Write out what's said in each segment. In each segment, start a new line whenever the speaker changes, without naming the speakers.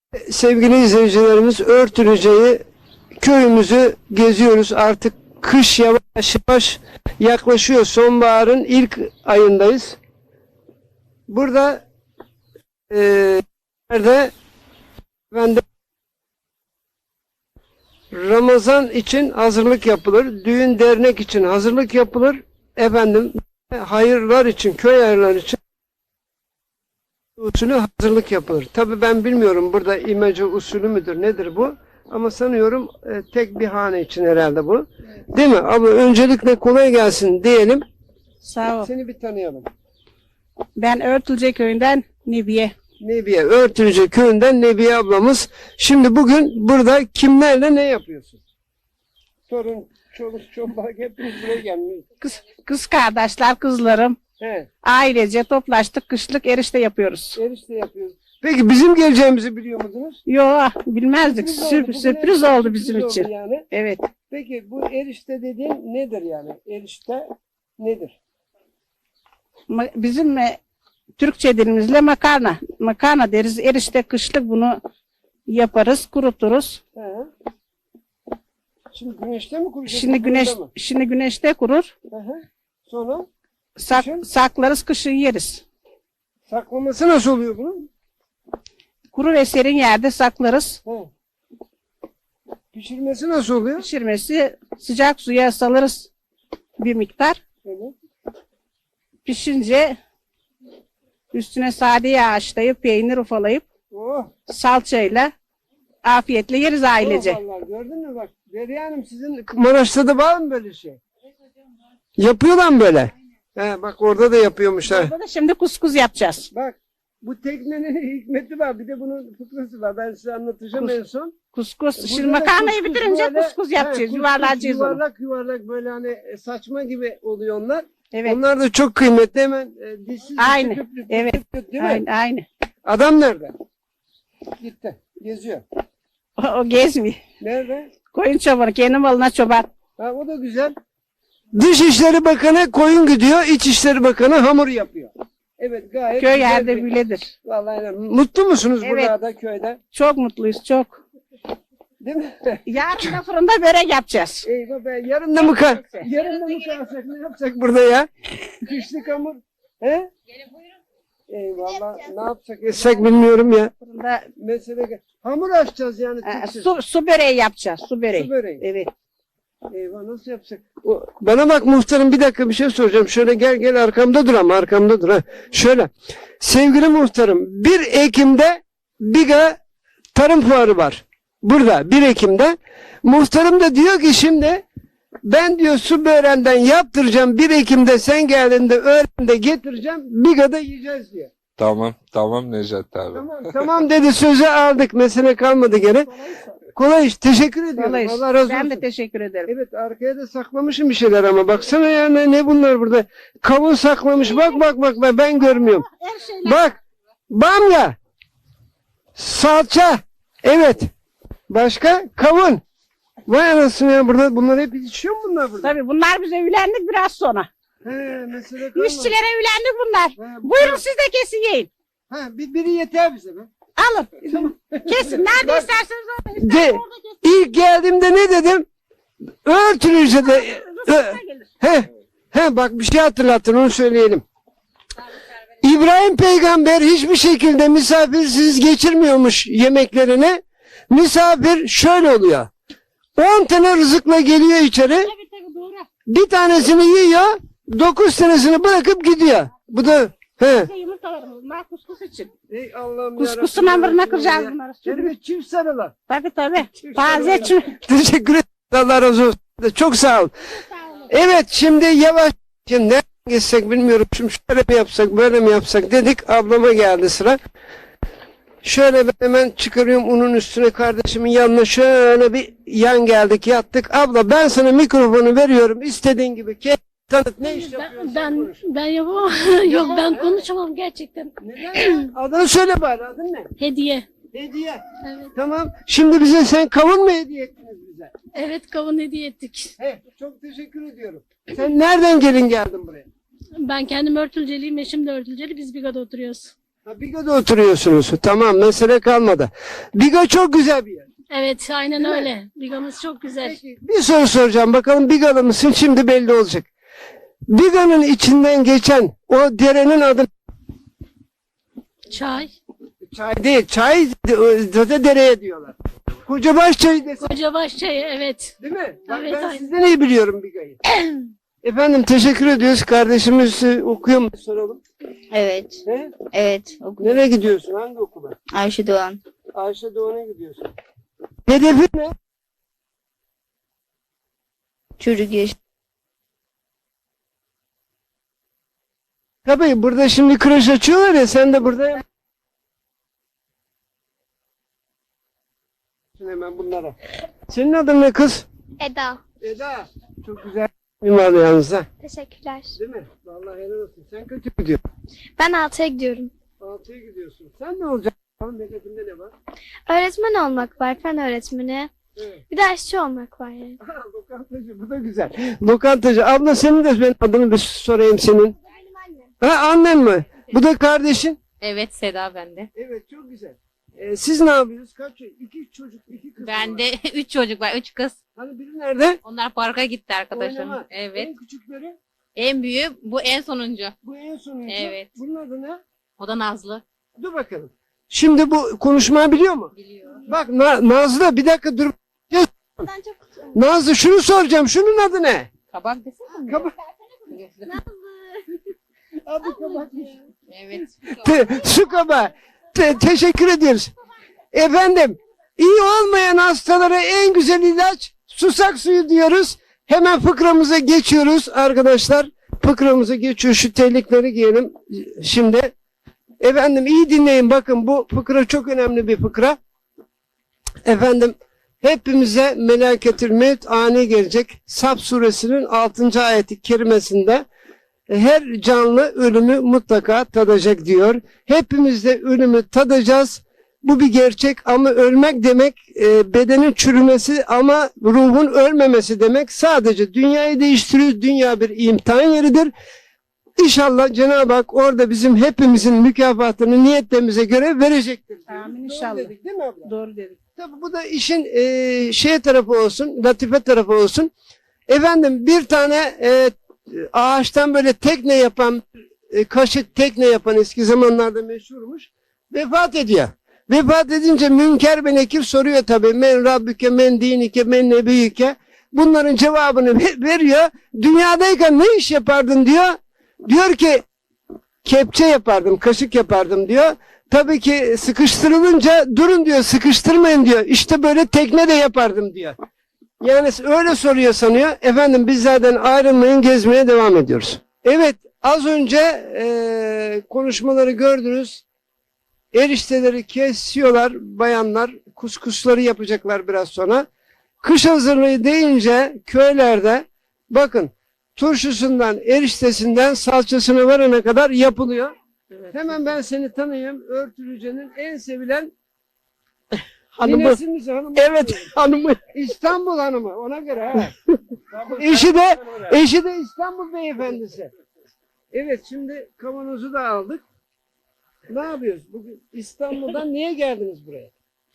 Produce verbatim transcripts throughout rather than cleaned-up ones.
Sevgili izleyicilerimiz, Örtülüce'yi, köyümüzü geziyoruz. Artık kış yavaş yavaş yaklaşıyor. Sonbaharın ilk ayındayız. Burada e, nerede ben de Ramazan için hazırlık yapılır. Düğün dernek için hazırlık yapılır. Efendim hayırlar için, köy hayırları için usulü hazırlık yapılır. Tabii ben bilmiyorum burada imece usulü müdür, nedir bu? Ama sanıyorum e, tek bir hane için herhalde bu. Evet. Değil mi? Abla öncelikle kolay gelsin diyelim.
Sağ ol.
Seni bir tanıyalım.
Ben Örtülce köyünden Nebiye.
Nebiye, Örtülce köyünden Nebiye ablamız. Şimdi bugün burada kimlerle ne yapıyorsun? Torun, çoluk, çomak hepimiz buraya gelmiyoruz.
Kız, kız kardeşler, kızlarım.
He.
Ailece toplaştık, kışlık erişte yapıyoruz.
Erişte yapıyoruz. Peki bizim geleceğimizi biliyor musunuz?
Yo, bilmezdik.
Sürpriz
Sür-
oldu.
sürpriz
Bugün
oldu bizim
sürpriz
için.
oldu yani.
Evet.
Peki bu erişte dediğin nedir yani? Erişte nedir?
Ma- Bizim e, Türkçe dilimizle makarna. Makarna deriz. Erişte kışlık bunu yaparız, kuruturuz.
He. Şimdi güneşte mi kuracağız?
Şimdi güneş
Burada mı?
şimdi güneşte kurur.
Hı hı. Sonra
Sak,
Kışın?
saklarız, kışın yeriz.
saklaması nasıl oluyor bunun?
Kuru ve serin yerde saklarız.
He. Pişirmesi nasıl oluyor?
Pişirmesi sıcak suya salırız bir miktar.
Evet.
Pişince üstüne sade yağ haşlayıp peynir ufalayıp
Oh.
salçayla afiyetle yeriz ailece.
Oh vallahi gördün mü bak. Derya Hanım sizin Maraş'ta da var mı böyle şey? Yapıyorlar mı böyle? He, bak orada da yapıyormuşlar.
Burada da şimdi kuskus yapacağız.
Bak bu teknenin hikmeti var. Bir de bunun fıkrası var. Ben size anlatacağım
Kus-
en son.
Kuskus.
Burada
Şimdi
da
makarnayı
kuskus
bitirince
böyle-
kuskus
he,
yapacağız.
kuskus
Yuvarlayacağız onu.
Yuvarlak yuvarlak böyle hani saçma gibi oluyor onlar.
Evet.
Onlar da çok kıymetli. Hemen e, dişsiz
Aynı.
küp küp
Evet.
küp küp, değil mi?
Aynı, aynı.
Adam nerede? Gitti. Geziyor.
O, o gezmiyor.
Nerede?
Koyun çobanı. Kendi malına çoban.
Ha, o da güzel. Dışişleri Bakanı koyun gidiyor, İçişleri Bakanı hamur yapıyor. Evet, gayet
Köy
güzel
yerde
bir-
böyledir.
Vallahi öyle. Mutlu musunuz
Evet.
burada köyde?
Çok mutluyuz, çok.
Değil mi?
Yarın da fırında börek yapacağız.
Eyvah be, yarın da mı kal? Yarın da mı kalsak? Ne yapacak burada ya? Kışlık hamur. He? Eyvallah. Ne yapacak? Etsek bilmiyorum ya.
Fırında
Mesele hamur açacağız yani.
e,
tütsüz.
su, su böreği yapacağız. Su böreği.
Su böreği.
Evet.
Eyvah, nasıl yapacak? O, bana bak muhtarım, bir dakika bir şey soracağım. Şöyle gel gel arkamda dur ama arkamda dur ha. Şöyle. Sevgili muhtarım, bir Ekim'de Biga Tarım Fuarı var. Burada bir Ekim'de. Muhtarım da diyor ki şimdi ben diyor su böreğinden yaptıracağım. bir Ekim'de sen geldiğinde öğrende getireceğim. Biga'da yiyeceğiz diyor.
Tamam, tamam Necdet abi.
Tamam, tamam dedi, sözü aldık. Mesele kalmadı gene. Kolay iş. Teşekkür ediyorum.
Vallahi
Allah razı olsun.
ben de teşekkür ederim.
Evet, arkaya da saklamışım bir şeyler ama baksana ya, ne, ne bunlar burada? Kavun saklamış. Bak bak bak bak, ben görmüyorum.
Her şeyler.
Bak. Bamya. Salça. Evet. Başka? Kavun. Vay anasını ya, burada bunlar hep içiyor mu bunlar burada?
Tabii bunlar biz evlendik biraz sonra.
He, mesele kalmadı.
İşçilere evlendik bunlar.
Ha,
Buyurun siz de kesin yiyin.
Ha, bir, biri yeter bize be.
Alın. Kesin. Nerede
Bak-
isterseniz orada.
De,
İsterseniz orada kesin.
ilk geldiğimde ne dedim? Örtülüce de. Ö-
gelir.
He, he bak bir şey hatırlattın, onu söyleyelim. İbrahim peygamber hiçbir şekilde misafirsiz geçirmiyormuş yemeklerini. Misafir şöyle oluyor. on tane rızıkla geliyor içeri.
Tabii tabii doğru.
Bir tanesini yiyor. Dokuz tanesini bırakıp gidiyor. Bu da he.
Bize yumurtalarımız bunlar kuskus için.
Ey Allah'ım
Kuskusun hamuruna kıracağız bunları.
Hem de çift sarılar.
Tabii tabii.
Çift
Taze
sarılar.
çim.
Teşekkür ederim. Allah razı olsun. Çok sağ ol. Evet, şimdi yavaş. Şimdi nereden geçsek bilmiyorum. Şimdi şöyle mi yapsak, böyle mi yapsak dedik. Ablama geldi sıra. Şöyle ben hemen çıkarıyorum unun üstüne, kardeşimin yanına şöyle bir yan geldik, yattık. Abla ben sana mikrofonu veriyorum. İstediğin gibi. Kendini tanıt. Ne iş yapıyorsun?
Ben ben,
Konuş.
ben yapamam. Yok ben konuşamam gerçekten.
Neden? Adını söyle bari. Adın ne?
Hediye.
Hediye.
Evet.
Tamam. Şimdi bize sen kavun mu hediye ettiniz bize?
Evet kavun hediye ettik.
He, çok teşekkür ediyorum. Sen nereden gelin geldin buraya?
Ben kendim örtülceliyim, eşim de örtülceli. Biz Biga'da oturuyoruz.
Ha, Biga'da oturuyorsunuz. Tamam, mesele kalmadı. Biga çok güzel bir yer.
Evet, aynen öyle. Bigamız çok güzel.
Peki, bir soru soracağım. Bakalım Bigalı mısın? Şimdi belli olacak. Biga'nın içinden geçen o derenin adı
Çay.
çay değil. Çay zaten dereye diyorlar. Kocabaş çayı desem,
Kocabaş çayı, evet.
değil mi? Bak,
Evet,
ben
aynen.
sizden iyi biliyorum Biga'yı. Efendim teşekkür ediyoruz. Kardeşimiz e, okuyor mu? Soralım.
Evet.
He?
Evet. Okudum.
Nereye gidiyorsun? Hangi okula?
Ayşe Doğan.
Ayşe Doğan'a gidiyorsun. Hedefin ne?
Çocuk yaş.
Tabii burada şimdi kreş açıyorlar ya, sen de burada hemen bunlara. Senin adın ne kız?
Eda.
Eda. Çok güzel bir var yalnız ha.
Teşekkürler.
Değil mi? Vallahi helal olsun. Sen kötü gidiyorsun.
Ben altıya gidiyorum.
Altıya gidiyorsun. Sen ne olacaksın? Bakalım hedefinde ne var?
Öğretmen olmak var, fen öğretmeni.
Evet.
Bir de aşçı olmak var yani.
Ha, lokantacı, bu da güzel. Lokantacı. Abla senin de ben adını bir sorayım senin.
Benim annem.
Ha, annen mi? Bu da kardeşin.
Evet, Seda bende.
Evet, çok güzel. Ee, siz ne yapıyorsunuz? Kaç çocuk? İki çocuk, iki kız mı var?
Bende üç çocuk var, üç kız.
Hani biri nerede?
Onlar parka gitti arkadaşım.
Oynama.
Evet.
En küçükleri?
En büyüğü bu en sonuncu.
Bu en sonuncu.
Evet.
Bunun adı ne?
O da Nazlı.
Dur bakalım. Şimdi bu konuşmayı biliyor mu?
Biliyor.
Bak Na- Nazlı, bir dakika dur.
Ben çok
Nazlı, şunu soracağım. Şunun adı ne?
Kabak desene mi?
Kabak. Adı kabakmış.
Evet.
Te- su kabağı. Te- teşekkür ediyoruz. Efendim, iyi olmayan hastalara en güzel ilaç susak suyu diyoruz. Hemen fıkramıza geçiyoruz arkadaşlar. Fıkramıza geçiyor. Şu terlikleri giyelim şimdi. Efendim iyi dinleyin, bakın bu fıkra çok önemli bir fıkra. Efendim hepimize meleketül mevt ani gelecek. Saf suresinin altıncı ayeti kerimesinde her canlı ölümü mutlaka tadacak diyor. Hepimiz de ölümü tadacağız. Bu bir gerçek ama ölmek demek e, bedenin çürümesi ama ruhun ölmemesi demek. Sadece dünyayı değiştiriyor. Dünya bir imtihan yeridir. İnşallah Cenab-ı Hak orada bizim hepimizin mükafatını niyetlerimize göre verecektir.
Amin
Doğru
inşallah.
dedik, değil mi abla?
Doğru dedik.
Tabii bu da işin e, şey tarafı olsun, latife tarafı olsun. Efendim bir tane e, ağaçtan böyle tekne yapan, e, kaşık tekne yapan eski zamanlarda meşhurmuş. Vefat ediyor. Vefat edince Münker ve Nekir soruyor tabii. Men Rabbüke, men dinike, men nebiyike. Bunların cevabını ver- veriyor. Dünyadayken ne iş yapardın diyor. Diyor ki kepçe yapardım, kaşık yapardım diyor. Tabii ki sıkıştırılınca durun diyor, sıkıştırmayın diyor. İşte böyle tekne de yapardım diyor. Yani öyle soruyor sanıyor. Efendim biz zaten ayrılmayın, gezmeye devam ediyoruz. Evet, az önce eee, konuşmaları gördünüz. Erişteleri kesiyorlar bayanlar. Kuskusları yapacaklar biraz sonra. Kış hazırlığı deyince köylerde bakın turşusundan, eriştesinden salçasına varana kadar yapılıyor. Hemen ben seni tanıyayım. Örtülüce'nin en sevilen
Hanımı.
ninesi misin, hanımı?
Evet hanımı.
İstanbul hanımı, ona göre ha. eşi de eşi de İstanbul beyefendisi. Evet, şimdi kavanozu da aldık. Ne yapıyoruz? Bugün İstanbul'dan niye geldiniz buraya?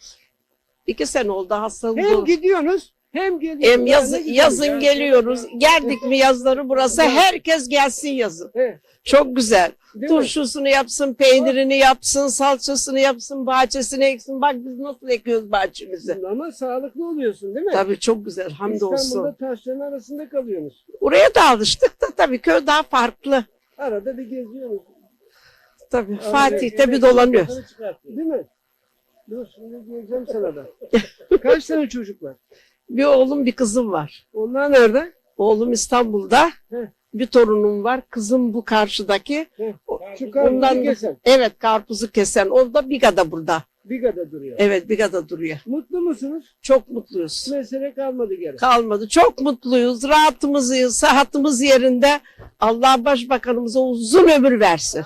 İki sene oldu hastalık.
Hem gidiyorsunuz hem geliyorsunuz.
Hem yaz,
Ya ne güzel
yazın
ya.
geliyoruz. Geldik mi yazları burası. Herkes gelsin yazın.
Evet,
Çok güzel.
değil mi?
Turşusunu yapsın, peynirini yapsın, salçasını yapsın, bahçesini eksin. Bak biz nasıl ekiyoruz bahçemizi.
Ama sağlıklı oluyorsun değil mi?
Tabii çok güzel. Hamdolsun.
İstanbul'da taşların arasında kalıyorsunuz.
Oraya da alıştık da tabii köy daha farklı.
Arada bir geziyorsunuz.
Tabii
Arada
Fatih'te bir
yemek
dolanıyor.
kafanı çıkartıyor, değil mi? Dur şimdi diyeceğim sana da. Kaç tane çocuk var?
Bir oğlum bir kızım var.
Onlar nerede?
Oğlum İstanbul'da.
Heh.
Bir torunum var. Kızım bu karşıdaki.
Heh,
O-
Şu karpuzu
Ondan
kesen.
evet karpuzu kesen. O da Biga'da burada.
Biga'da duruyor.
Evet Biga'da duruyor.
Mutlu musunuz?
Çok mutluyuz.
Mesele kalmadı geri.
Kalmadı. Çok mutluyuz. Rahatımız, sıhhatimiz yerinde. Allah başbakanımıza uzun ömür versin.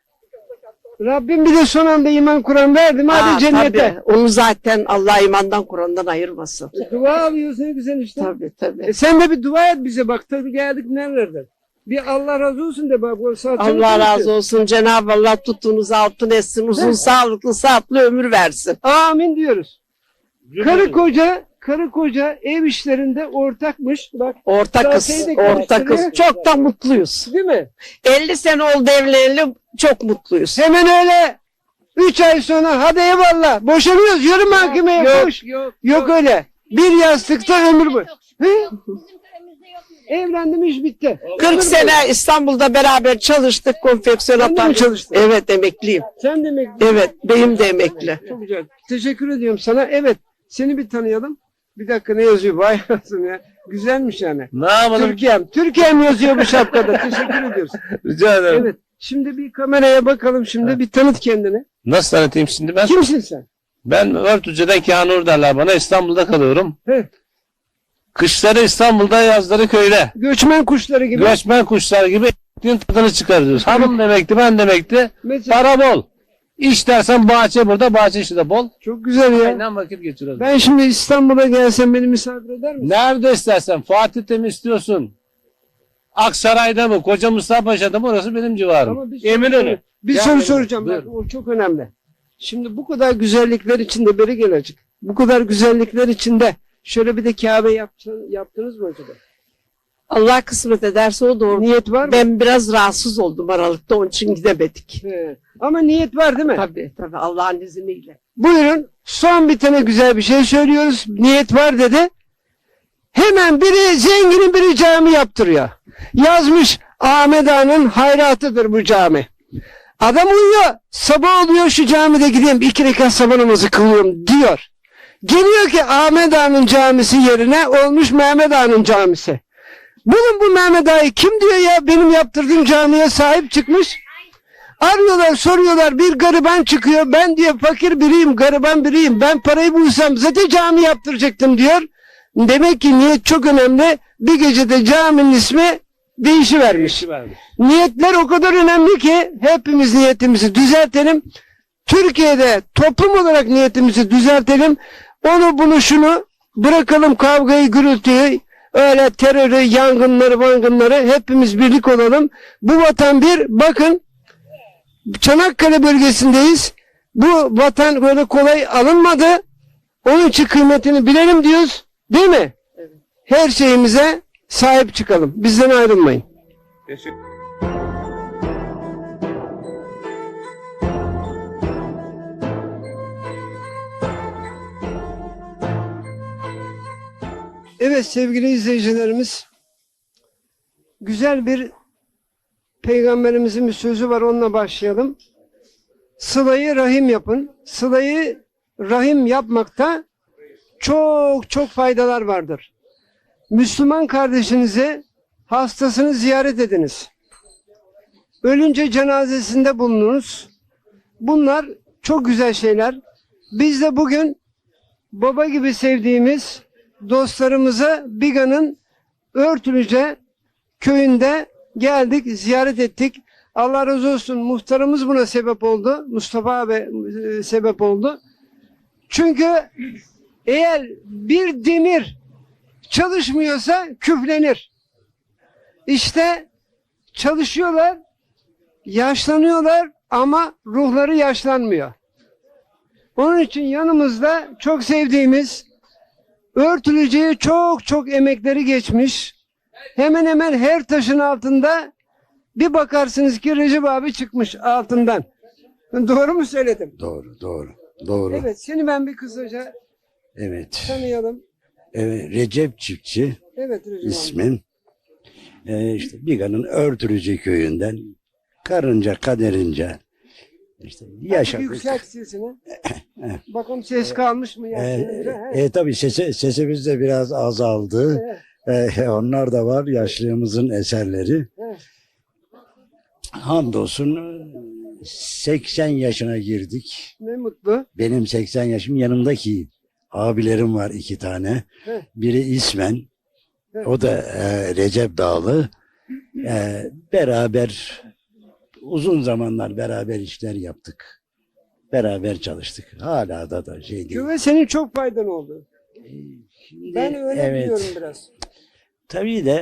Rabbim bir de son anda iman Kur'an verdi mi?
Aa,
Hadi cennete.
tabii. Onu zaten Allah imandan Kur'an'dan ayırmasın.
Dua alıyoruz ne güzel işte.
Tabii tabii.
E sen de bir dua et bize, bak tabii geldik nerelerden. Bir Allah razı olsun de bak. bu salçalı
Allah
konuşuyor.
razı olsun. Cenab-ı Allah tuttuğunuz altın etsin. Uzun
He.
sağlıklı, sıhhatli ömür versin.
Amin diyoruz. Karı koca, karı koca ev işlerinde ortakmış. Bak
Orta kız,
Zaten de
orta kız.
karıştırıyor.
Çok da mutluyuz.
değil mi?
elli sene oldu evleneli, çok mutluyuz.
Hemen öyle. Üç ay sonra hadi eyvallah. Boşanıyoruz. Yürü mahkemeye.
Yok,
Koş. Yok, öyle. Bir yastıkta ömür boyu. He? Evlendim iş bitti.
kırk sene İstanbul'da beraber çalıştık, konfeksiyon
Sen de mi
yapardık.
çalıştın?
Evet, emekliyim.
Sen demek.
Evet, beyim de emekli.
Çok güzel. Teşekkür ediyorum sana. Evet. Seni bir tanıyalım. Bir dakika ne yazıyor? Vay anasını ya. Güzelmiş yani.
Ne yapalım?
Türkiye'm. Türkiye'm yazıyor bu şapkada. Teşekkür ediyoruz.
Rica ederim.
Evet. Şimdi bir kameraya bakalım şimdi. Bir tanıt kendini.
Nasıl tanıtayım şimdi ben?
Kimsin sen?
Ben Örtücü'den Kânur derler bana. İstanbul'da kalıyorum.
He.
Kışları İstanbul'da, yazları köyde.
Göçmen kuşları gibi.
Göçmen kuşlar gibi ektiğin tadını çıkarıyoruz. Hanım demekti, ben demekti.
Mesela,
Para bol. İş dersen bahçe burada, bahçe işi de bol.
çok güzel ya.
Aynen vakit geçiriyoruz.
Ben şimdi İstanbul'a gelsem beni misafir eder misin?
Nerede istersen, Fatih'te mi istiyorsun? Aksaray'da mı, Koca Mustafa Paşa'da mı, orası benim civarım.
Ama bir soru-
Eminönü.
Bir
Gel
soru
benim,
soracağım.
buyur.
Bak, o çok önemli. Şimdi bu kadar güzellikler içinde beri gelecek. Bu kadar güzellikler içinde şöyle bir de Kabe yaptın, yaptınız mı acaba?
Allah kısmet ederse o doğru.
Niyet var mı?
Ben biraz rahatsız oldum Aralık'ta, onun için gidemedik.
He. Ama niyet var değil mi?
Tabii tabii, Allah'ın izniyle.
Buyurun. Son bir tane güzel bir şey söylüyoruz. Niyet var dedi. Hemen biri zenginin biri cami yaptırıyor. Yazmış Ahmet Ağa'nın hayratıdır bu cami. Adam uyuyor. Sabah oluyor şu camide gideyim iki rekat sabah namazı kılıyorum diyor. Geliyor ki Ahmet Ağa'nın camisi yerine olmuş Mehmet Ağa'nın camisi. Bulun bu Mehmet Ağa'yı kim diyor ya benim yaptırdığım camiye sahip çıkmış. Arıyorlar soruyorlar bir gariban çıkıyor. Ben diyor fakir biriyim gariban biriyim. Ben parayı bulsam zaten cami yaptıracaktım diyor. Demek ki niyet çok önemli. Bir gecede caminin ismi değişivermiş. Niyetler o kadar önemli ki hepimiz niyetimizi düzeltelim. Türkiye'de toplum olarak niyetimizi düzeltelim. Onu bunu şunu bırakalım kavgayı gürültüyü. Öyle terörü, yangınları, vangınları hepimiz birlik olalım. Bu vatan bir bakın Çanakkale bölgesindeyiz. Bu vatan böyle kolay alınmadı. Onun için kıymetini bilelim diyoruz. Değil mi?
Evet.
Her şeyimize sahip çıkalım. Bizden ayrılmayın. Evet sevgili izleyicilerimiz, güzel bir peygamberimizin bir sözü var, onunla başlayalım. Sılayı rahim yapın. Sılayı rahim yapmakta çok çok faydalar vardır. Müslüman kardeşinizi, hastasını ziyaret ediniz. Ölünce cenazesinde bulununuz. Bunlar çok güzel şeyler. Biz de bugün baba gibi sevdiğimiz dostlarımıza Biga'nın Örtülüce köyünde geldik, ziyaret ettik. Allah razı olsun muhtarımız buna sebep oldu. Mustafa abi e, sebep oldu. Çünkü eğer bir demir çalışmıyorsa küflenir. İşte çalışıyorlar, yaşlanıyorlar ama ruhları yaşlanmıyor. Onun için yanımızda çok sevdiğimiz Örtülüce'ye çok çok emekleri geçmiş. Hemen hemen her taşın altında bir bakarsınız ki Recep abi çıkmış altından. Doğru mu söyledim?
Doğru, doğru, doğru. Evet.
Evet, seni ben bir kısaca tanıyalım.
Evet, Recep Çiftçi
Evet Recep abi.
ismim. Ee, işte Biga'nın Örtülüce köyünden karınca kaderince işte
Azıcık
yaşadık.
yükselt sesini. Bakalım ses kalmış mı?
Ee,
yaşlanınca?
e, tabii sesi, sesimiz de biraz azaldı. Ee, onlar da var yaşlılığımızın eserleri.
Evet.
Hamdolsun seksen yaşına girdik.
Ne mutlu.
Benim seksen yaşım, yanımdaki abilerim var iki tane.
Evet.
Biri İsmen,
Evet.
o da e, Recep Dağlı. E, beraber uzun zamanlar beraber işler yaptık. Beraber çalıştık. Hala da da şey değil.
Köye senin çok faydan oldu.
E, Şimdi,
Ben öyle
evet,
biliyorum biraz.
tabii de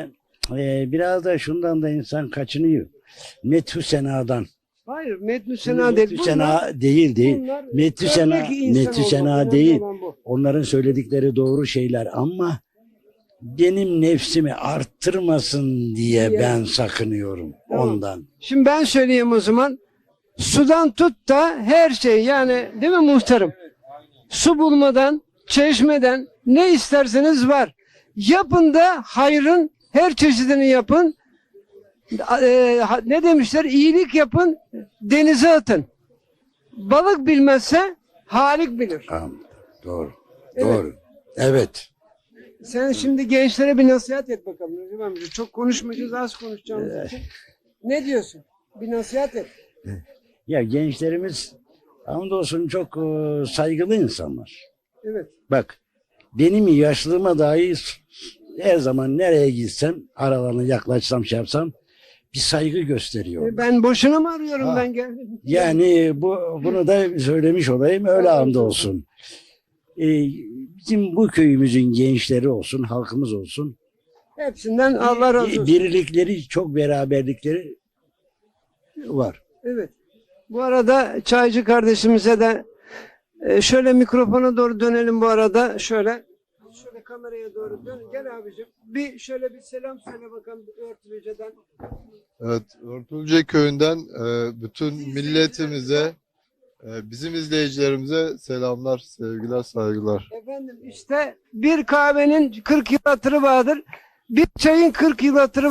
Ee, biraz da şundan da insan kaçınıyor. Metü senadan.
Hayır, metnü sena değil.
Metü sena değil değil.
bunlar
Metü sena,
örnek insan
metü
olmak,
sena
önemli
değil.
olan bu.
Onların söyledikleri doğru şeyler ama benim nefsimi arttırmasın diye
Diye.
ben sakınıyorum
Tamam.
ondan.
Şimdi ben söyleyeyim o zaman. Sudan tut da her şey, yani değil mi muhtarım? Su bulmadan, çeşmeden ne isterseniz var. Yapın da hayrın her çeşidini yapın. Ee, ha- ne demişler? İyilik yapın, denize atın. Balık bilmezse Halik bilir.
Tamam. Doğru.
Evet.
Doğru. Evet.
Sen şimdi gençlere bir nasihat et bakalım Recep amca. Çok konuşmayacağız, az konuşacağımız için. Ne diyorsun? Bir nasihat et.
Ya gençlerimiz hamdolsun çok e, saygılı insanlar.
Evet.
Bak benim yaşlılığıma dahi her zaman nereye gitsem aralarına yaklaşsam şey yapsam bir saygı gösteriyor.
E, Ben boşuna mı arıyorum,
Ha.
ben geldim.
Yani bu bunu da söylemiş olayım öyle hamdolsun. Ee, bizim bu köyümüzün gençleri olsun, halkımız olsun.
Hepsinden Allah razı olsun.
Birlikleri, çok beraberlikleri var.
Evet. Bu arada çaycı kardeşimize de e, şöyle mikrofona doğru dönelim bu arada. Şöyle. Şöyle kameraya doğru dön. Gel abicim. Bir şöyle bir selam söyle bakalım Örtülüce'den.
Evet, Örtülce köyünden e, bütün milletimize, e, bizim izleyicilerimize selamlar, sevgiler, saygılar.
Efendim işte bir kahvenin kırk yıl hatırı vardır. Bir çayın kırk yıl hatırı.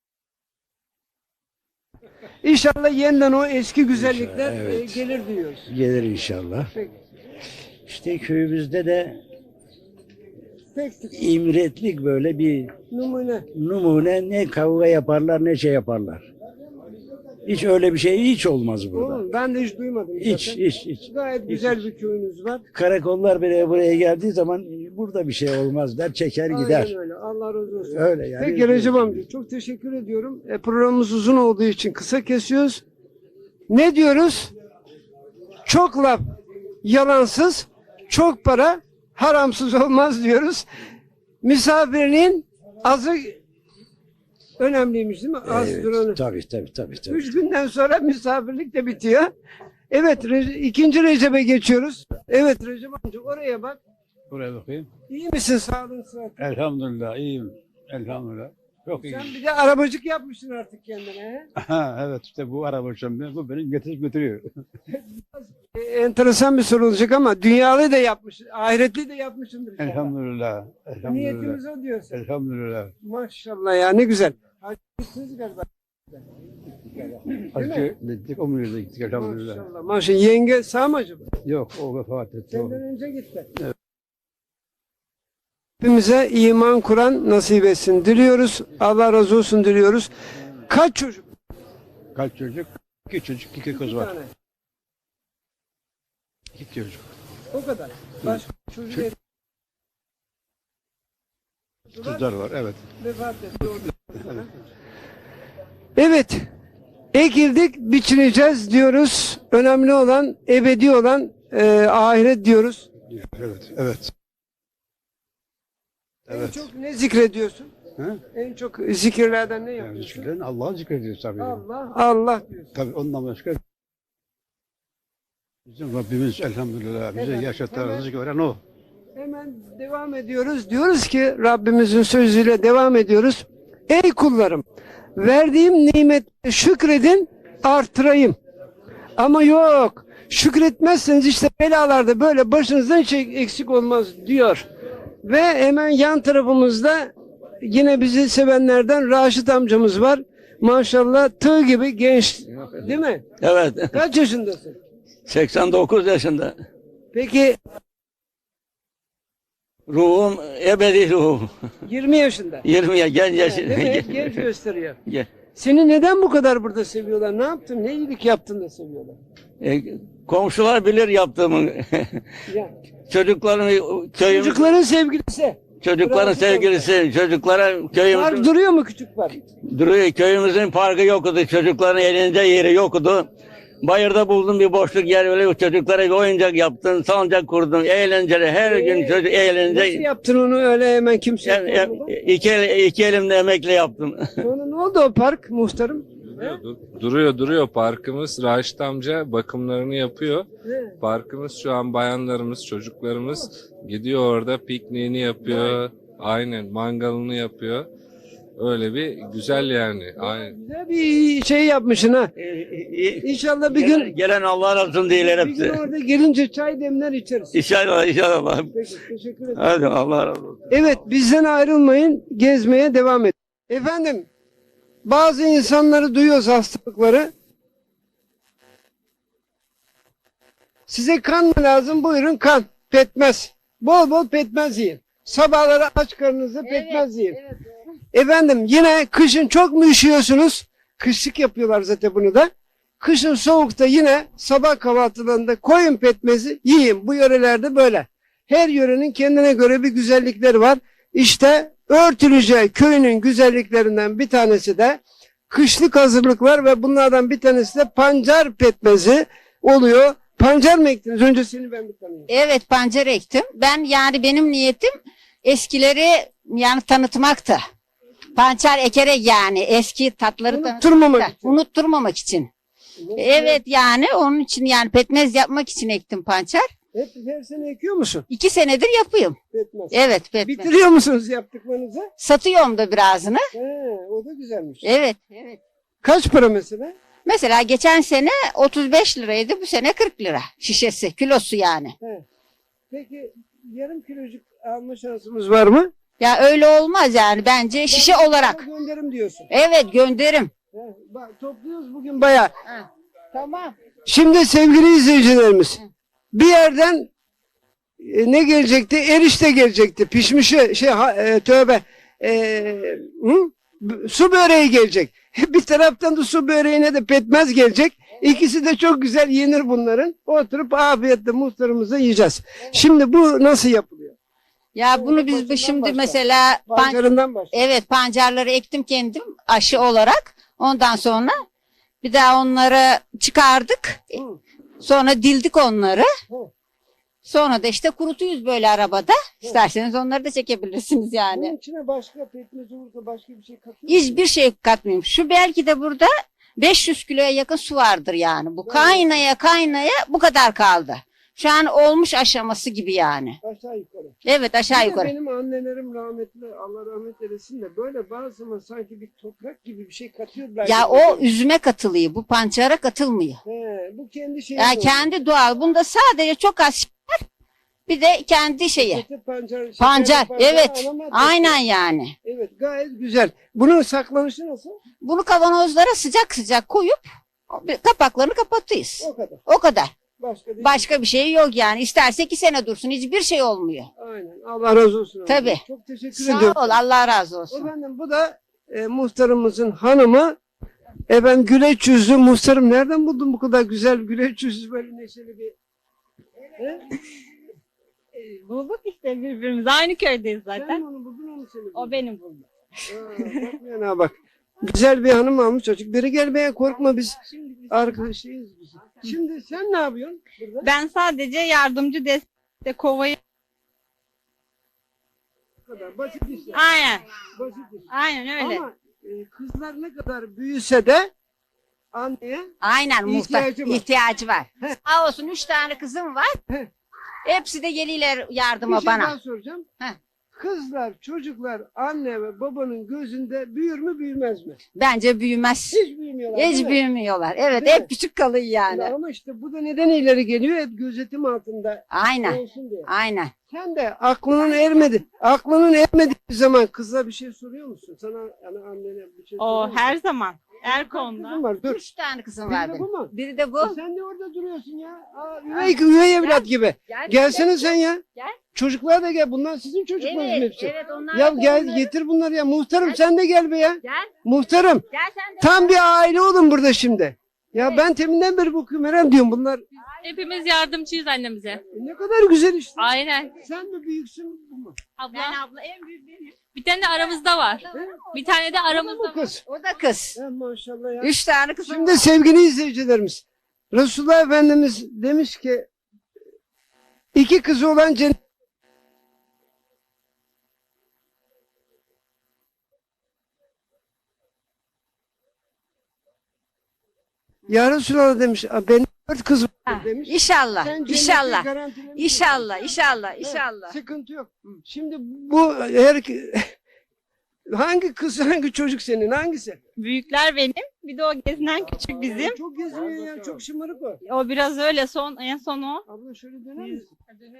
İnşallah yeniden o eski güzellikler
İnşallah, evet.
e, gelir diyoruz.
Gelir inşallah.
Peki.
İşte köyümüzde de
Peki.
imretlik böyle bir
Numune.
numune ne kavga yaparlar ne şey yaparlar. Hiç öyle bir şey hiç olmaz burada.
Oğlum, ben de hiç duymadım.
Hiç
zaten.
hiç hiç.
Gayet güzel bir köyünüz var.
Karakollar bile buraya geldiği zaman burada bir şey olmaz der çeker gider.
Aynen öyle. Allah razı olsun.
Öyle yani.
Peki Recep amca çok teşekkür ediyorum. E, programımız uzun olduğu için kısa kesiyoruz. Ne diyoruz? Çok laf yalansız, çok para haramsız olmaz diyoruz. Misafirliğin azı önemliymiş değil mi? Az
Evet,
duranı.
tabii tabii tabii. tabii.
Üç günden sonra misafirlik de bitiyor. Evet, Rece- ikinci Recep'e geçiyoruz. Evet Recep amca oraya bak.
Buraya bakayım.
İyi misin, sağlığın sıhhatin?
Elhamdülillah iyiyim. Elhamdülillah. Çok iyi.
Sen bir de arabacık yapmışsın artık kendine. He?
Ha, evet işte bu araba şimdi bu beni getirip götürüyor.
E, enteresan bir soru olacak ama dünyalı da yapmışsın, ahiretli de yapmışsındır inşallah.
Elhamdülillah. Elhamdülillah.
Niyetimiz o diyorsun.
Elhamdülillah.
Maşallah ya, ne güzel. Hacısınız galiba.
Hacı gittik, umreye gittik elhamdülillah.
Maşallah. Maşallah. Yenge sağ mı acaba?
Yok o vefat etti. o.
Senden önce gitti. Hepimize iman Kur'an nasip etsin diliyoruz. Allah razı olsun diliyoruz. Kaç çocuk?
Kaç çocuk? İki çocuk, iki kız
Bir
var.
tane.
İki çocuk.
O kadar. Başka çocuk ev-
Kızlar var evet.
vefat etti. Evet. Ekildik, biçileceğiz diyoruz. Önemli olan, ebedi olan e, ahiret diyoruz.
Evet, evet.
En
Evet.
çok ne zikrediyorsun?
Ha?
En çok zikirlerden ne
Yani
yapıyorsun?
zikirlerin Allah'ı zikrediyoruz tabii.
Allah, Allah diyorsun.
Tabii ondan başka bizim Rabbimiz elhamdülillah bize
Efendim,
yaşatan
hemen-
rızık veren o.
Hemen devam ediyoruz. Diyoruz ki Rabbimizin sözüyle devam ediyoruz. Ey kullarım, verdiğim nimete şükredin, artırayım. Ama yok, şükretmezseniz işte belalarda böyle başınızdan hiç eksik olmaz diyor. Ve hemen yan tarafımızda yine bizi sevenlerden Raşit amcamız var. Maşallah tığ gibi genç, değil mi?
Evet.
Kaç yaşındasın?
seksen dokuz yaşında.
Peki
Ruhum ebedi ruhum.
yirmi yaşında.
yirmiye genç
Değil
yaşında.
mi? Hep genç gösteriyor.
Ge-
Seni neden bu kadar burada seviyorlar? Ne yaptın? Ne iyilik yaptın da seviyorlar?
e, komşular bilir yaptığımı.
Ya,
Çocukların köyüm,
çocukların sevgilisi.
çocukların
Raşit
sevgilisi, çocuklara
Park
köyümüzün
duruyor mu küçük park?
duruyor. Köyümüzün parkı yoktu. Çocukların elinde yeri yoktu. Bayırda buldum bir boşluk yer, öyle çocuklara bir oyuncak yaptım, salıncak kurdum, eğlenceli, her gün çocuk
Nasıl
eğlence.
yaptın onu öyle hemen kimse
Yani,
yapmadı?
iki, el- iki elimle emekle yaptım.
Sonra ne oldu o park muhtarım?
Duruyor, dur- duruyor duruyor parkımız. Raşit amca bakımlarını yapıyor.
He.
Parkımız şu an bayanlarımız, çocuklarımız gidiyor orada pikniğini yapıyor. Aynen mangalını yapıyor. Öyle bir güzel yani. Aynen.
Güzel bir şey yapmışsın ha. İnşallah bir
gelen,
gün
gelen Allah razı olsun değil
bir
hepsi.
gün orada gelince çay demler içeriz.
İnşallah inşallah.
Peki, teşekkür ederim.
Hadi Allah razı olsun.
Evet, bizden ayrılmayın, gezmeye devam edin. Efendim, bazı insanları duyuyoruz hastalıkları. Size kan mı lazım? Buyurun kan, pekmez. Bol bol pekmez yiyin. Sabahları aç karnınızda pekmez yiyin. Efendim, yine kışın çok mu üşüyorsunuz? Kışlık yapıyorlar zaten bunu da. Kışın soğukta yine sabah kahvaltılarında koyun pekmezi yiyin. Bu yörelerde böyle. Her yörenin kendine göre bir güzellikleri var. İşte Örtülüce köyünün güzelliklerinden bir tanesi de kışlık hazırlıklar ve bunlardan bir tanesi de pancar pekmezi oluyor. Pancar mı ektiniz? Önce seni ben bir tanıyayım.
Evet, pancar ektim. Ben yani benim niyetim eskileri yani tanıtmaktı. Pancar ekerek yani eski tatları
Unutturmamak
tanıtmaktı.
için.
Unutturmamak için. Evet yani onun için yani pekmez yapmak için ektim pancar.
Hep her sene ekiyor musun?
İki senedir yapıyorum.
Pekmez.
Evet pekmez.
Bitiriyor musunuz yaptıklarınızı?
Satıyorum da birazını.
He, o da güzelmiş.
Evet. Evet.
Kaç para mesela?
Mesela geçen sene otuz beş liraydı, bu sene kırk lira şişesi, kilosu yani.
He. Peki yarım kilocuk alma şansımız var mı?
Ya öyle olmaz yani bence şişe
Ben
olarak.
sana Gönderim diyorsun.
Evet gönderim.
He, bak, topluyoruz bugün bayağı.
Tamam.
Şimdi sevgili izleyicilerimiz, bir yerden e, ne gelecekti? Erişte gelecekti. Pişmişi şey ha, e, tövbe. E, hı? B- Su böreği gelecek. Bir taraftan da su böreğine de pekmez gelecek. İkisi de çok güzel yenir bunların. Oturup afiyetle muhtarımıza yiyeceğiz. Şimdi bu nasıl yapılıyor?
Ya bunu biz
Başından
şimdi
başla.
mesela pan-
Pancarından başla.
evet pancarları ektim kendim aşı olarak. Ondan sonra bir daha onları çıkardık.
Hı.
Sonra dildik onları.
Hı.
Sonra da işte kurutuyuz böyle arabada. İsterseniz onları da çekebilirsiniz yani.
Bunun içine başka pekmez olursa başka bir şey katıyor.
Hiçbir şey katmıyorum. Şu belki de burada beş yüz kiloya yakın su vardır yani. Bu kaynaya kaynaya bu kadar kaldı. Şu an olmuş aşaması gibi yani.
Aşağı yukarı.
Evet aşağı
Bir de
yukarı.
Benim annelerim rahmetli, Allah rahmet eylesin de böyle bazı zaman sanki bir toprak gibi bir şey katıyorlar.
Ya o üzüme katılıyor. Bu pancara katılmıyor.
He, bu kendi şeyi.
Ya kendi doğal. Bunda sadece çok az şey var. Bir de kendi şeyi.
Pancar, şekerli
Pancar. Evet.
anama
Aynen yani.
Evet, gayet güzel. Bunun saklanışı nasıl?
Bunu kavanozlara sıcak sıcak koyup kapaklarını kapatıyoruz.
O kadar.
O kadar.
Başka değil.
Başka bir şey yok yani. İsterse iki sene dursun. Hiçbir şey olmuyor.
Aynen. Allah razı olsun.
Tabii.
Çok teşekkür
Sağ
ediyorum.
ol. Allah razı olsun.
Efendim bu da e, muhtarımızın hanımı. Efendim güleç yüzlü muhtarım. Nereden buldun bu kadar güzel güleç yüzlü böyle neşeli bir... He?
Bulduk işte birbirimizi. Aynı köydeyiz
Sen
zaten.
mi onu buldun onu seni buldun?
O benim buldum.
Aa, bak yana bak. Güzel bir hanım almış çocuk. Biri gelmeye korkma biz arkadaşıyız biz. Şimdi sen ne yapıyorsun burada?
Ben sadece yardımcı destek kovayı.
Bu kadar basit işler.
Aynen.
Basit iş.
Aynen öyle.
Ama e, kızlar ne kadar büyüse de anneye
Aynen muhtar.
İhtiyacı var.
İhtiyacı var.
He.
Sağ olsun üç tane kızım var.
He.
Hepsi de geliyorlar
bir
yardıma
şey
bana.
daha soracağım.
Heh.
Kızlar, çocuklar anne ve babanın gözünde büyür mü büyümez mi?
Bence büyümez.
Hiç büyümüyorlar. değil
Hiç
mi?
büyümüyorlar. Evet
Değil mi?
hep küçük kalıyor yani.
Ama işte bu da neden ileri geliyor? Hep gözetim altında
Aynen.
olsun diye.
Aynen.
Sen de aklının ermedi. Aklının ermediği zaman kıza bir şey soruyor musun? Sana yani annene bir şey soruyor
O
musun?
her zaman. Her
Kaç
konuda.
kızın var? Dur.
Üç tane kızım
Biri
var
de
benim.
bu mu?
Biri de bu.
E sen de orada duruyorsun ya. Aa, üvey, üvey evlat gibi.
Gel,
Gelsene sen ya.
Gel.
Çocuklar da gel. Bunlar sizin çocuklarınız
Evet,
hepsi.
evet onlar
Ya
da
gel
onların-
getir bunları ya. Muhtarım sen de gel be ya.
Gel.
Muhtarım.
Gel sen de.
Tam bir aile olun burada şimdi. Ya ben teminden beri bu kümerem diyorum bunlar.
Hepimiz yardımcıyız annemize.
E, ne kadar güzel işte.
Aynen.
Sen mi büyüksün bu mu?
Abla.
Ben abla en büyük benim.
Bir tane de aramızda var. Bir tane de
Bu
aramızda var.
kız.
O da kız.
Ya maşallah ya.
Üç tane kızım
Şimdi
var.
sevgili izleyicilerimiz, Resulullah Efendimiz demiş ki iki kızı olan cennet. Ya Resulallah demiş, benim dört kız var demiş.
İnşallah,
Sen cenneti
inşallah,
garantilemiş
inşallah,
misin?
inşallah,
Evet,
inşallah.
sıkıntı yok. Şimdi bu her hangi kız hangi çocuk senin hangisi?
Büyükler benim. Bir de o gezinen küçük bizim.
Çok gezmiyor ya, çok şımarık o.
O biraz öyle son en son o.
Abla şöyle döner misin?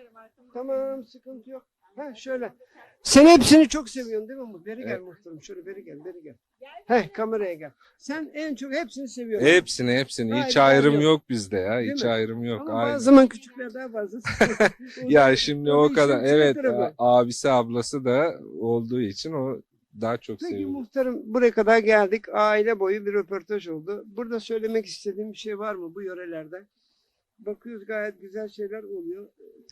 Tamam, sıkıntı yok. Ha şöyle. Sen hepsini çok seviyorsun değil mi? Beri gel muhtarım. Şöyle beri gel, beri gel. Heh, kameraya gel. Sen en çok hepsini seviyorsun.
Hepsini hepsini. Hiç
Hayır,
ayrım
yok.
yok bizde ya.
Değil
Hiç
mi?
ayrım yok.
Ama
Aynen.
bazı zaman küçükler daha fazla.
Ya şimdi o
işin
kadar.
içine
Evet,
tarafı.
abisi ablası da olduğu için o daha çok
Peki
seviyor.
muhtarım, buraya kadar geldik. Aile boyu bir röportaj oldu. Burada söylemek istediğim bir şey var mı bu yörelerde? Bakıyoruz, gayet güzel şeyler oluyor.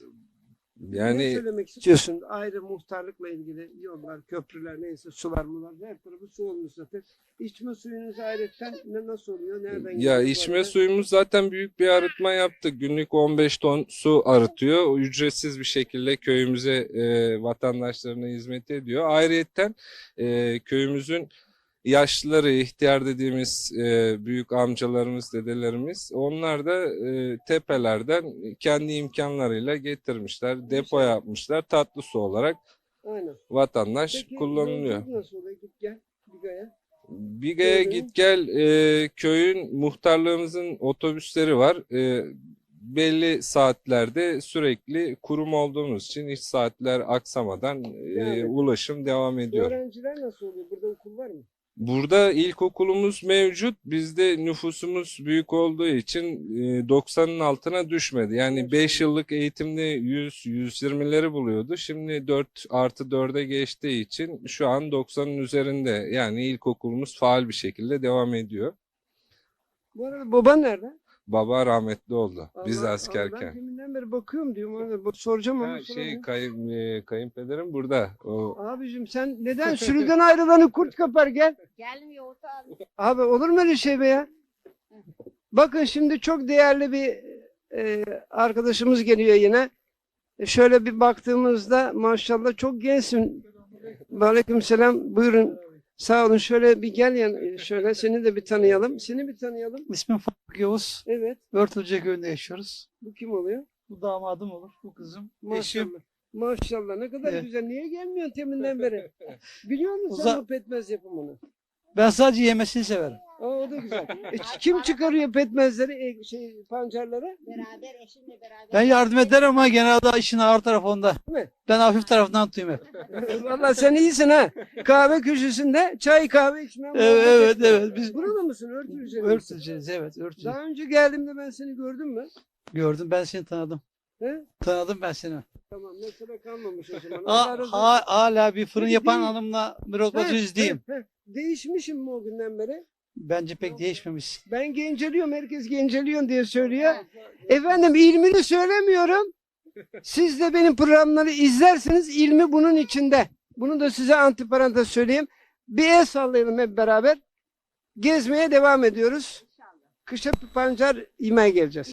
Ne
Yani
söylemek istiyorsun? Ayrı muhtarlıkla ilgili yollar, köprüler, neyse sular mular. Her tarafı su olmuş zaten. İçme suyunuz ayrıca ne nasıl oluyor? Nereden
ya
geliyor?
içme
Böyle?
suyumuz zaten büyük bir arıtma yaptık. Günlük on beş ton su arıtıyor. O ücretsiz bir şekilde köyümüze, e, vatandaşlarına hizmet ediyor. Ayrıyeten e, köyümüzün yaşlıları, ihtiyar dediğimiz e, büyük amcalarımız, dedelerimiz, onlar da e, tepelerden kendi imkanlarıyla getirmişler, depo yapmışlar, tatlı su olarak
Aynen.
vatandaş
Peki,
kullanılıyor.
yolculuk nasıl oluyor? Git gel. Biga'ya.
Biga'ya
Köyün-
git gel, e, köyün muhtarlığımızın otobüsleri var. E, belli saatlerde sürekli kurum olduğumuz için hiç saatler aksamadan e,
Yani.
ulaşım devam ediyor.
Öğrenciler nasıl oluyor? Burada okul var mı?
Burada ilkokulumuz mevcut. Bizde nüfusumuz büyük olduğu için e, doksanın altına düşmedi. Yani beş yıllık eğitimde yüz yüz yirmileri buluyordu. Şimdi dört artı dörde geçtiği için şu an doksanın üzerinde. Yani ilkokulumuz faal bir şekilde devam ediyor.
Bu arada baban nerede?
Baba rahmetli oldu. Biz
Allah- Allah, ben
askerken.
deminden beri bakıyorum diyorum. Ona bak- soracağım ama
Ha, şey
soramadım.
kayın, e, kayınpederim burada. O
Abicim sen neden sürüden ayrılanı kurt kapar gel.
Gelmiyor orta abi.
Abi olur mu öyle şey be ya? Bakın şimdi çok değerli bir e, arkadaşımız geliyor yine. E, şöyle bir baktığımızda maşallah çok gençsin. Aleykümselam. Buyurun. Sağ olun. Şöyle bir gel yan, şöyle seni de bir tanıyalım. Seni bir tanıyalım.
İsmim Faruk Yavuz.
Evet.
Örtülce köyünde yaşıyoruz.
Bu kim oluyor?
Bu damadım olur, bu kızım. Eşim.
Maşallah. Maşallah ne kadar
Evet.
güzel. Niye gelmiyorsun teminden beri? Biliyor musun
Uza-
sen bu pekmez yapımını?
Ben sadece yemesini severim.
Aa, o da güzel. E, kim çıkarıyor pekmezleri, e, şey pancarları?
Beraber eşimle beraber.
Ben yardım ederim ama genelde işin ağır tarafı onda.
Değil mi?
Ben hafif tarafından tutayım hep.
Vallahi sen iyisin ha. Kahve köşesinde çay kahve içmem.
Evet, evet, evet. Biz
Buralı mısın? Örtülüce misin?
örtüleceğiz, evet, örtüleceğiz.
Daha önce geldiğimde ben seni gördüm mü?
Gördüm, ben seni tanıdım.
He?
Tanıdım ben seni.
Tamam, mesela kalmamış o zaman.
Ha,
Allah razı olsun.
ha- hala bir fırın
Peki,
yapan
değil-
hanımla bir rotbası
He,
yüzdeyim.
he, he. Değişmişim mi o günden beri?
Bence pek değişmemiş.
Ben genceliyorum, herkes genceliyorsun diye söylüyor. Efendim ilmini söylemiyorum. Siz de benim programları izlersiniz, ilmi bunun içinde. Bunu da size antiparantez söyleyeyim. Bir el sallayalım hep beraber. Gezmeye devam ediyoruz. Kışa pancar yemeye geleceğiz.